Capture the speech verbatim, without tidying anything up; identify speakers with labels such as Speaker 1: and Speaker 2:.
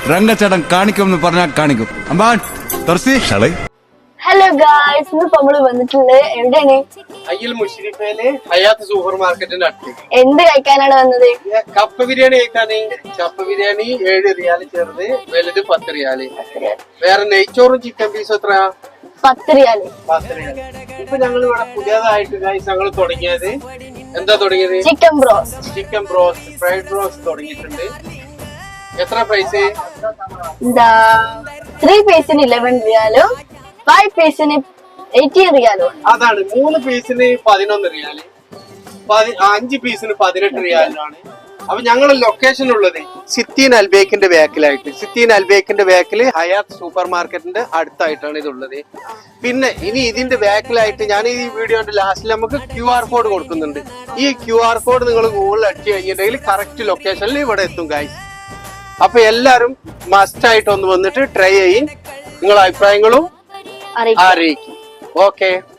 Speaker 1: രംഗച്ചേട്ടൻ കാണിക്കുമെന്ന് പറഞ്ഞാൽ കാണിക്കും. അമ്പാൻ തുറസി ഷളൈ.
Speaker 2: Hello guys, ഇന്നിപ്പോ നമ്മള് വന്നിട്ടുള്ളത് എവിടെയാണ്?
Speaker 3: അയ്യൽ മുഷരിഫയിലെ ഹയാത്ത് സൂപ്പർ മാർക്കറ്റിന്റെ അടുത്ത്.
Speaker 2: എന്ത് കഴിക്കാനാണ് വന്നത്?
Speaker 3: കപ്പ ബിരിയാണി കഴിക്കാന്. കപ്പ ബിരിയാണി ഏഴ് റിയാല് ചെറുത്, വലുത് പത്ത് റിയാല്. വേറെ നെയ്ച്ചോറും ചിക്കൻ പീസും എത്രയാ?
Speaker 2: പത്ത് റിയാല്.
Speaker 3: പത്ത് റിയാല്. ഇപ്പൊ ഞങ്ങൾ ഇവിടെ പുതിയതായിട്ട് ഗൈസ് ഞങ്ങൾ തുടങ്ങിയത് എന്താ തുടങ്ങിയത്?
Speaker 2: Chicken broast.
Speaker 3: Chicken broast, fried broast തുടങ്ങിയിട്ടുണ്ട്. എത്ര പ്രൈസ്?
Speaker 2: എന്താ ത്രീ പീസിന് ഇലവൻ റിയാലും ഫൈവ് പീസിന് എയ്റ്റീൻ റിയാലും.
Speaker 3: അതാണ്, മൂന്ന് പീസിന് പതിനൊന്ന് റിയാല്, അഞ്ച് പീസിന് പതിനെട്ട് റിയാലാണ്. അപ്പൊ ഞങ്ങളുടെ ലൊക്കേഷൻ ഉള്ളത് സിത്തീൻ അൽബേക്കിന്റെ ബാക്കിലായിട്ട്. സിത്തീൻ അൽബേക്കിന്റെ ബാക്കില് ഹയാത്ത് സൂപ്പർ മാർക്കറ്റിന്റെ അടുത്തായിട്ടാണ് ഇതുള്ളത്. പിന്നെ ഇനി ഇതിന്റെ ബാക്കിലായിട്ട് ഞാൻ ഈ വീഡിയോന്റെ ലാസ്റ്റിൽ നമുക്ക് ക്യു ആർ കോഡ് കൊടുക്കുന്നുണ്ട്. ഈ ക്യു ആർ കോഡ് നിങ്ങൾ ഗൂഗിളിൽ അടിച്ചു കഴിഞ്ഞിട്ടുണ്ടെങ്കിൽ കറക്റ്റ് ലൊക്കേഷനിൽ ഇവിടെ എത്തും ഗൈസ്. അപ്പൊ എല്ലാരും മസ്റ്റ് ആയിട്ട് ഒന്ന് വന്നിട്ട് ട്രൈ ചെയ്യും, നിങ്ങളുടെ അഭിപ്രായങ്ങളും അറിയിക്കും. ഓക്കെ.